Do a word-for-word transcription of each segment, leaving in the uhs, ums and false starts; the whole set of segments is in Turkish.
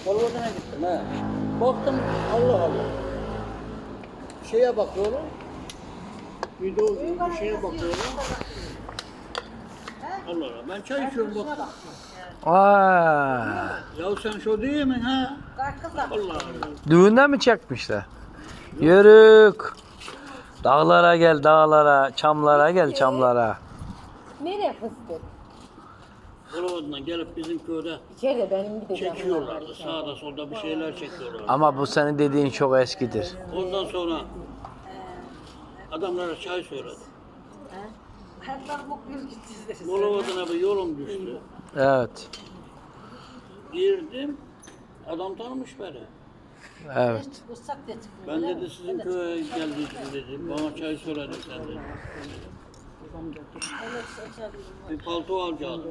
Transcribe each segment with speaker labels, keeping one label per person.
Speaker 1: Bolvadına gittim ha. Baktım Allah Allah. Şeye bakıyorum. Video bir şeye bakıyorum. Allah Allah. Ben çay içiyorum baktım.
Speaker 2: Aa,
Speaker 1: Ya sen şu değil mi ha? Allah Allah.
Speaker 2: düğünden mi çekmişler? Yörük. Dağlara gel dağlara, çamlara gel çamlara.
Speaker 3: Nereye fıstık?
Speaker 1: Bolvadına gelip bizim köyde
Speaker 3: İçeride benim gideceğim.
Speaker 1: çekiyorlardı. Sağda solda bir şeyler çekiyorlardı.
Speaker 2: Ama bu senin dediğin çok eskidir.
Speaker 1: Ondan sonra adamlara çay söyledim. Bolvadına bir yolum düştü.
Speaker 2: Evet.
Speaker 1: Girdim. Adam tanımış beni.
Speaker 2: Evet.
Speaker 1: Ben dedi sizin köye geldiydim dedi. Bana çay söyledi sen dedi. Bir palto alacaktım.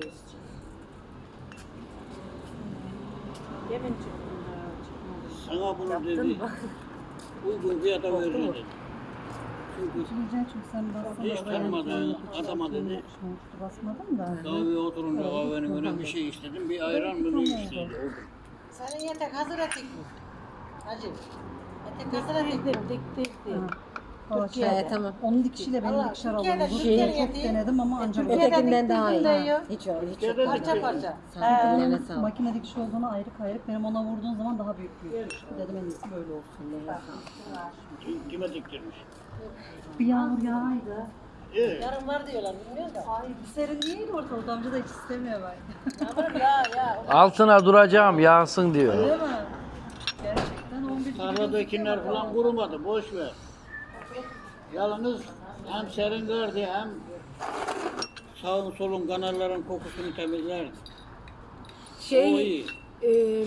Speaker 1: Sana bunu dedi. Uygun fiyata veririm dedi. Çünkü
Speaker 4: Çünkü sen basmadın.
Speaker 1: hiç tanımadığın adama dedi.
Speaker 4: Basmadın da.
Speaker 1: Kahveye oturunca kahvenin önüne bir şey istedim. Bir ayran mı ne istedi.
Speaker 5: Senin yatak hazır atık mı? Hacı. Yatak hazır atık mı?
Speaker 3: Dik dik dik.
Speaker 4: Türkiye'de.
Speaker 3: tamam.
Speaker 4: Onun dikişiyle benim
Speaker 5: Allah,
Speaker 4: dikişler
Speaker 5: Türkiye'de,
Speaker 4: alındı.
Speaker 5: Türkiye'de
Speaker 4: Çok
Speaker 5: yediği-
Speaker 4: denedim ama ancak
Speaker 5: Türkiye'de
Speaker 3: Ötekinden
Speaker 5: dik
Speaker 3: daha
Speaker 5: dik
Speaker 3: iyi.
Speaker 5: diyor.
Speaker 3: Ha, Hiç yok, hiç yok.
Speaker 1: Türkiye'de
Speaker 5: Parça
Speaker 1: dik
Speaker 5: parça.
Speaker 3: Sağ ol, ellerine
Speaker 4: Onun
Speaker 3: sağlık.
Speaker 4: makine dikiş olduğunu ayrı ayrı benim ona vurduğun zaman daha büyük büyük. Dedim en iyisi böyle olsun.
Speaker 1: Kime diktirmiş?
Speaker 4: Bir yağmur yağaydı.
Speaker 1: Evet.
Speaker 5: Yarın var diyorlar bilmiyorum da.
Speaker 4: Ay bir serinleyeydi ortalıkta amca da hiç istemiyor ben.
Speaker 5: Yağmur ya ya.
Speaker 2: Altına duracağım yağsın diyor.
Speaker 4: Değil mi? Gerçekten on bir
Speaker 1: Tarladakiler falan kurumadı. Boş ver. Yalnız hem serin verdi hem sağın solun kanalların kokusunu temizlerdi. O
Speaker 3: Şey,
Speaker 1: iyi.
Speaker 3: e,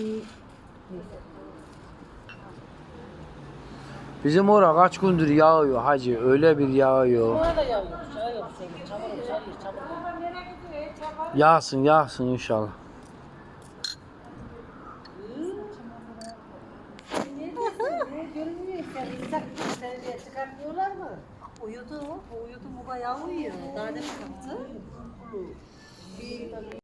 Speaker 2: Bizim ora kaç gündür yağıyor hacı. Öyle bir yağıyor.
Speaker 5: Buna da yağıyor. Çay yok. Çamur çamur çamur.
Speaker 2: Yağsın yağsın inşallah.
Speaker 5: Görünmüyor sen. İnsan seni çıkartmıyorlar mı?
Speaker 4: Uyudu. O uyudu mu bayağı uyuyor. Daha demin kalktı.